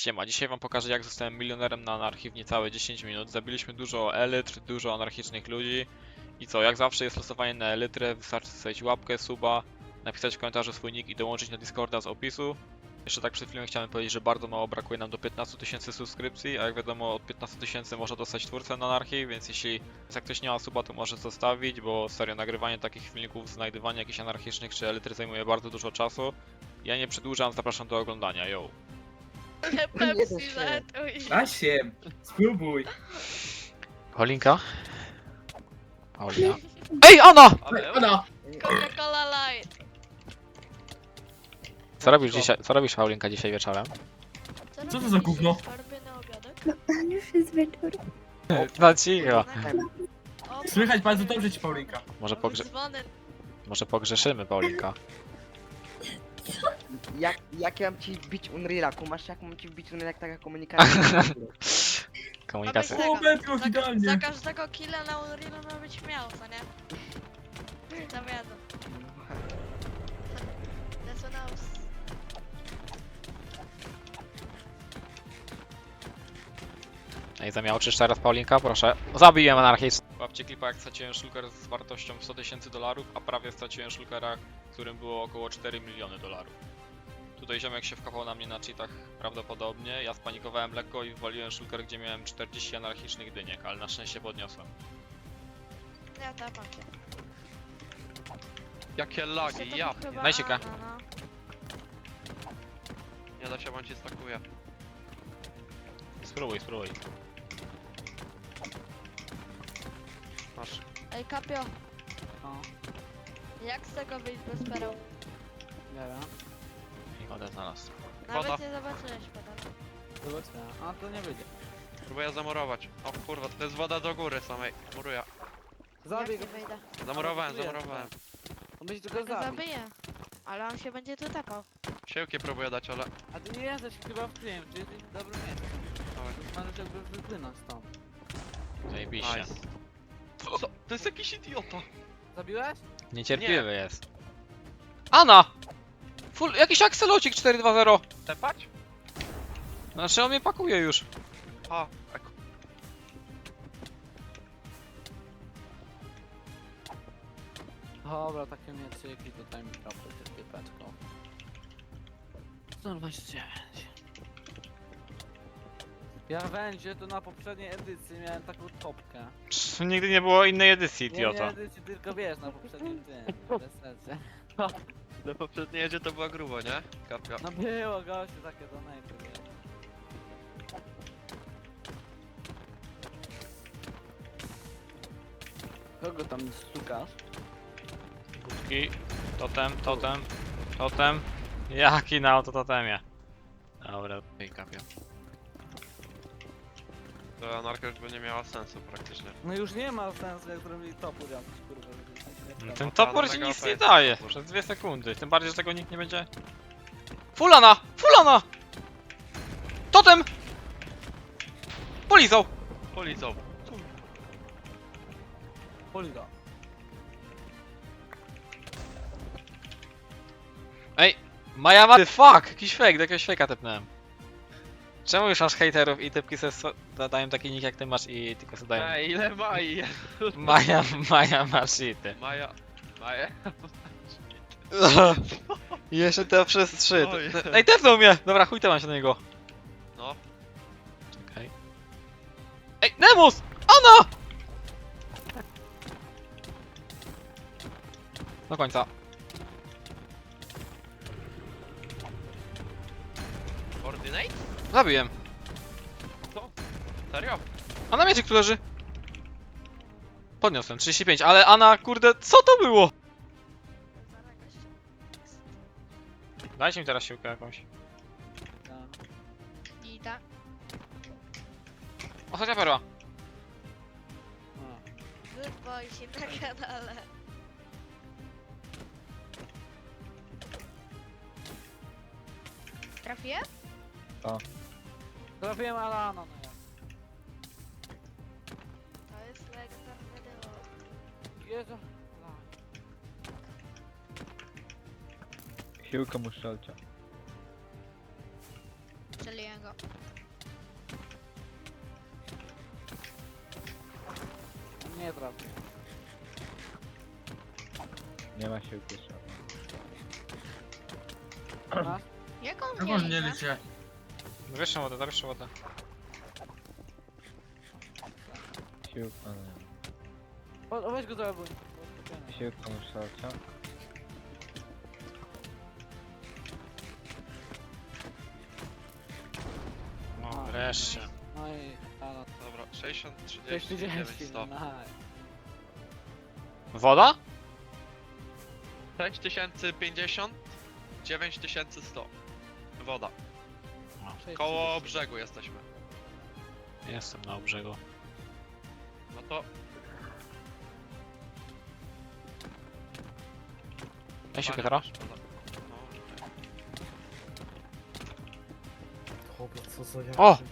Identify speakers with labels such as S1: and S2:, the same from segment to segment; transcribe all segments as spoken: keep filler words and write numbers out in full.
S1: Siema, dzisiaj wam pokażę jak zostałem milionerem na anarchii w niecałe dziesięć minut. Zabiliśmy dużo elitr, dużo anarchicznych ludzi. I co, jak zawsze jest losowanie na elytrę, wystarczy zostawić łapkę, suba, napisać w komentarzu swój nick i dołączyć na Discorda z opisu. Jeszcze tak przed chwilą chciałem powiedzieć, że bardzo mało brakuje nam do piętnastu tysięcy subskrypcji, a jak wiadomo od piętnastu tysięcy można dostać twórcę na anarchii, więc jeśli jak ktoś nie ma suba, to może zostawić, bo serio nagrywanie takich filmików, znajdywanie jakichś anarchicznych czy elitry zajmuje bardzo dużo czasu. Ja nie przedłużam, zapraszam do oglądania, yo!
S2: Pepsi zatuj.
S3: Da się, spróbuj.
S1: Paulinka? Paulina? Ej, Anna!
S3: Ona.
S2: Coca-Cola Light.
S1: Co robisz dzisiaj, co robisz Paulinka dzisiaj wieczorem?
S3: Co to
S2: robisz
S3: za gówno?
S2: dzisiaj? Farby na obiadek?
S4: No już jest wieczór.
S1: No cicho.
S2: O,
S3: Słychać bardzo dobrze ci, Paulinka.
S1: Może,
S2: mamy
S1: pogrze
S2: dzwony.
S1: może pogrzeszymy Paulinka.
S5: Jak, jak ja mam ci wbić Unreala? Kumasz jak mam ci wbić Unreala, jak taka komunikacja?
S1: Komunikacja.
S2: Mamy
S3: O,
S2: tego.
S3: Metro,
S2: Za,
S3: idealnie.
S2: za każdego killa na Unrealu ma być miał, co nie? Zawiadę. That's what I was...
S1: Ej, zamiałczysz teraz Paulinka, proszę. Zabiłem anarchist. Łapcie klipa jak straciłem szulker z wartością sto tysięcy dolarów, a prawie straciłem szulkera, którym było około cztery miliony dolarów. Tutaj ziomek się wkapał na mnie na cheatach prawdopodobnie, ja spanikowałem lekko i wywaliłem szulker, gdzie miałem czterdzieści anarchicznych dyniek, ale na szczęście podniosłem.
S2: Ja tapam cię.
S6: Jakie
S2: Jeszcze
S6: lagi,
S2: to
S6: ja
S2: był chyba
S1: Daj sika.
S2: Anna, no.
S6: nie da się, bądź się stakuje.
S1: Spróbuj, spróbuj.
S6: Masz.
S2: Ej, Kapio,
S5: No,
S2: jak z tego wyjść bez pereł?
S5: nie wiem.
S1: I wodę znalazł.
S2: Nawet
S6: Woda.
S2: nie zobaczyłeś pedał.
S5: Zobaczmy. A to nie wyjdzie.
S6: Próbuję zamurować. O kurwa, to jest woda do góry samej. Muruję.
S2: Jak nie wyjdę?
S6: Zamurowałem, zamurowałem.
S5: On będzie
S2: Ja
S5: tylko
S2: go
S5: zabić.
S2: zabiję. Ale on się będzie tu tapał.
S6: Siłki próbuję dać, ale...
S5: A ty nie jesteś chyba w tym, czy jesteś w dobrym miejscu.
S6: Dawaj.
S5: Możesz jakby wypłynąć stąd.
S1: Zajebiście.
S6: Nice. Co? To jest jakiś idiota.
S5: Zabiłeś?
S1: Niecierpliwy jest. Anna! Full, jakiś akselocik cztery dwa zero.
S6: Tepać?
S1: Znaczy on mnie pakuje już.
S6: A, ek.
S5: Dobra, takie mieczyki tutaj mi prawdę też piepeczką. sto dwadzieścia dziewięć. Ja będzie to na poprzedniej edycji miałem taką topkę.
S1: Psz, nigdy nie było innej edycji,
S5: Nie, nie
S1: idiota.
S5: edycji, tylko wiesz, na poprzednim tym. Bez sensu.
S6: Na poprzedniej jedzie to była grubo, nie? Kapia.
S5: No było gościu, takie donate, wiesz. Kogo tam stukasz?
S1: Budki, totem, totem, totem. Jaki na auto totemie. Dobra, i kapia.
S6: To anarka już by nie miała sensu praktycznie.
S5: No już nie ma sensu, jak zrobili topór jakiś, kurwa, żeby się nie
S1: No
S5: wstawał.
S1: ten
S6: A,
S1: topór
S6: no
S1: ci
S6: mega
S1: nic
S6: O P
S1: nie
S6: jest
S1: daje,
S6: topór.
S1: przez dwie sekundy. Tym bardziej, że tego nikt nie będzie... Fulana! Fulana! Totem! Polizał!
S6: Polizą.
S5: Poliga.
S1: Ej! Maja ma... Fuck! Jakiś fake, do jakiegoś fake'a tepnąłem. Czemu już masz hejterów i typki se so- dają taki nick jak ty masz i tylko sobie dają...
S6: Ej, ile Mai?
S1: Maja, Maja ma shity.
S6: Maja. Maja?
S1: Jeszcze to przez trzy.
S6: Oj.
S1: Ej, tepnął mnie! Dobra, chuj mam się do niego.
S6: No.
S1: Czekaj. Ej, Nemus! Ona! Do końca.
S6: Ordinate?
S1: Zabiłem.
S6: Serio?
S1: A na mieczyk tu leży. Podniosłem, trzydzieści pięć, ale Ana, kurde, co to było? Dajcie mi teraz siłkę jakąś.
S2: I tak.
S1: Ostatnia perła.
S2: Good boy się na kanale. Trafiłem?
S5: Trafiłem Alana, no ja.
S2: To jest legendarny duo.
S5: Jezu.
S7: Siłkę mu strzelcia.
S2: Strzeliłem go.
S5: Nie trafię.
S4: Nie ma się upieszać.
S5: Masz?
S2: Jak on
S3: Jak
S2: nie
S3: on nie
S2: idzie?
S3: licie?
S1: Zawieszam wodę, zawieszam wodę.
S4: Siłka nie.
S5: O, o, weź go za buń.
S4: Siłka na szalcia.
S1: No wreszcie.
S5: No i... A, no,
S6: Dobra, sześćdziesiąt,
S5: to jest
S6: trzydzieści, dziewięć,
S5: trzydzieści,
S6: sto.
S5: no.
S1: Woda?
S6: sześć tysięcy pięćdziesiąt, dziewięć tysięcy sto. Woda.
S5: Sześć
S6: Koło
S5: trzydzieści.
S6: brzegu jesteśmy.
S1: Jestem na brzegu.
S6: No to...
S1: Daj siłkę
S6: Panie,
S1: teraz.
S6: woda. No, okej.
S3: Dobra, co za jak...
S1: O!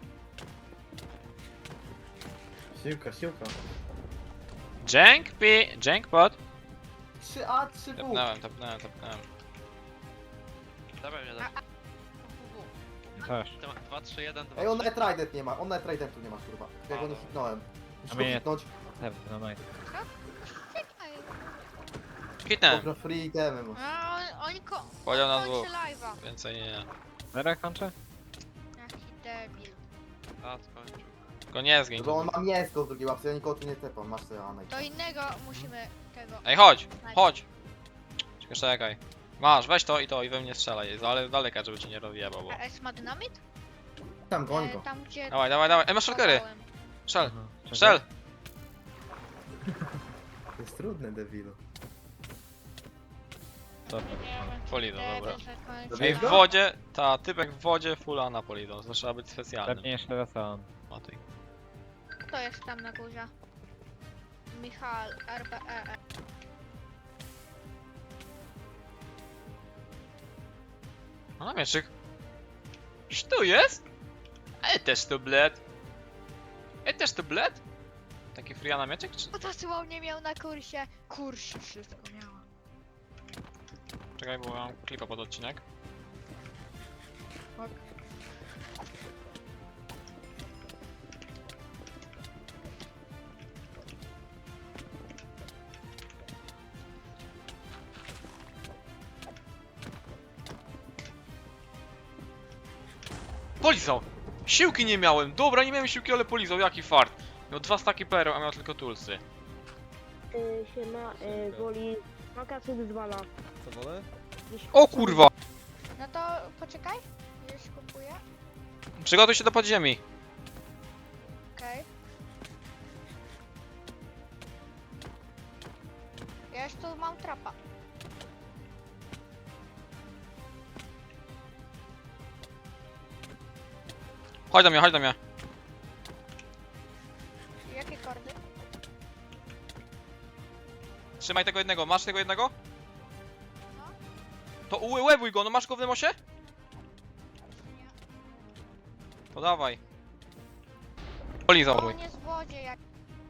S3: Siłka, siłka.
S1: Jank pi... Jankpot?
S7: trzy A, trzy W.
S1: Tapnąłem, tapnąłem, tapnąłem.
S6: Dawaj mnie dać.
S4: Też.
S6: dwa, trzy, jeden, dwa,
S7: Ej, on
S6: trzy.
S7: net Trident nie ma, on net Tridentu nie ma, kurwa. Ja go nie
S6: A,
S7: hitnąłem. Muszę
S4: A
S7: go
S4: mnie-
S7: hitnąć.
S4: Pewnie, no majty.
S2: Czekaj.
S1: Hitnę.
S7: Dobra, free itemy ma.
S2: A, on, oni ko...
S1: Podział na
S2: on kończy
S1: dwóch.
S2: live'a.
S1: Więcej nie.
S4: Zera kończę?
S2: Jaki debil.
S6: A, skończył.
S1: Tylko nie zgiń.
S7: Bo on ma mięsko w drugiej łapce, ja nikogo tu nie tepam, masz sobie Anej.
S2: To innego musimy tego...
S1: Ej, chodź! Chodź! Czekaj, czekaj. Masz, weź to i to i we mnie strzelaj. Ale z daleka, żeby cię nie rozjebał, bo...
S2: A S ma dynamit?
S7: Tam, goń
S2: E,
S7: go.
S2: tam gdzie...
S1: Dawaj, dawaj, dawaj. Ej, masz shulkery!
S2: kopałem.
S1: Strzel!
S4: Aha, czekaj.
S1: Strzel!
S7: To jest trudne, debilu.
S4: Dobra.
S2: Nie wiem, czy
S1: Polido,
S2: debil
S1: dobra.
S2: zakończy.
S7: Dobra.
S1: Ej, w wodzie, ta typek w wodzie fulla na polidon. To trzeba być specjalnym.
S4: Pewnie jeszcze raz on.
S1: O tej.
S2: Kto jest tam na górze? Michal, R B E.
S1: A na mieczyk. Czy tu jest? Ej, też tu bled. Ej, też tu bled? Taki free na mieczek, czy...
S2: Bo to słownie miał na kursie. Kursie wszystko miała.
S1: Czekaj, bo mam klipa pod odcinek.
S2: Ok.
S1: Polizał! Siłki nie miałem! Dobra, nie miałem siłki, ale polizał, jaki fart! Miał dwa staki pereł, a miał tylko tulsy.
S8: Y, siema, y, woli wakacje z dwa lata.
S9: Co wolę?
S1: O kurwa!
S2: No to poczekaj. Już kupuję.
S1: Przygotuj się do podziemi.
S2: Okej. Ja już tu mam trapa.
S1: Chodź do mnie, chodź do mnie.
S2: Jakie kordy?
S1: Trzymaj tego jednego, masz tego jednego?
S2: No.
S1: To ułebuj go, no masz go w demosie?
S2: Nie.
S1: To dawaj. Polizał
S2: O,
S1: mój.
S2: on jest w wodzie jak...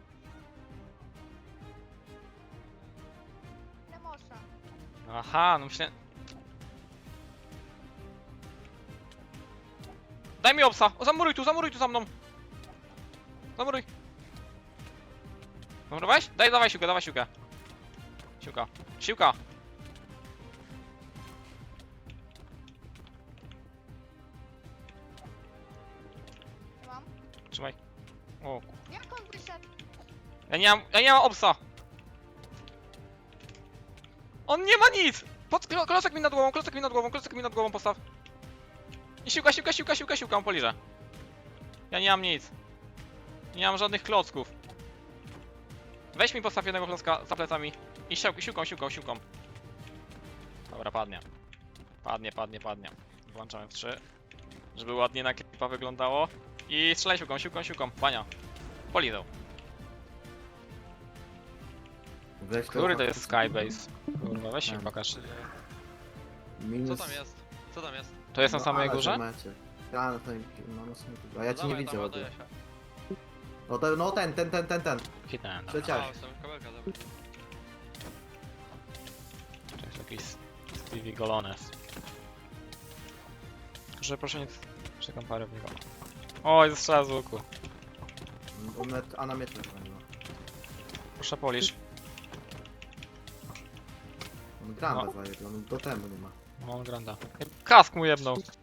S2: Lemosa.
S1: Aha, no myślę... Daj mi obsa! O, zamuruj tu, zamuruj tu za mną! Zamuruj! Zamurowałeś? Daj, dawaj siłkę, dawaj siłkę. Siłka. Siłka!
S2: Mam.
S1: Trzymaj. O,
S2: Jak on wyszedł?
S1: ja nie mam, ja nie mam obsa! On nie ma nic! Pod, klo- klocek mi nad głową, klocek mi nad głową, klocek mi nad głową postaw. I siłka, siłka, siłka, siłka, siłka, on poliże. Ja nie mam nic. Nie mam żadnych klocków. Weź mi postaw jednego klocka za plecami. I siłką, siłką, siłką, siłką. Dobra, padnie. Padnie, padnie, padnie. Włączamy w trzy. Żeby ładnie na klipa wyglądało. I strzelaj siłką, siłką, siłką. Bania. Polizał.
S7: Weź
S1: Który to jest Skybase? Kurwa, weź się
S7: Tam.
S1: pokaż.
S7: Minus...
S6: Co tam jest? Co tam jest?
S1: To jest na
S7: No,
S1: samej
S7: ale
S1: górze?
S7: zobaczcie. Ja, no, to, no, no, są- a ja cię nie
S6: Dawaj,
S7: widzę
S6: tam
S7: w ogóle.
S6: ładuję się.
S7: No, to, no ten, ten, ten, ten, ten.
S1: Hitnąłem, dobra.
S7: Przeciął.
S6: A, jestem kabelka, dobra.
S1: To jest jakiś Stevie Golones. Że proszę nie... Czekam parę w niego. Oj, zastrzela z łuku.
S7: On met, a na miecz chyba nie ma.
S1: Proszę polisz.
S7: On gram
S1: No.
S7: bez zajeżdża, on do temu nie ma.
S1: No, on granda. Kask mu jebnął.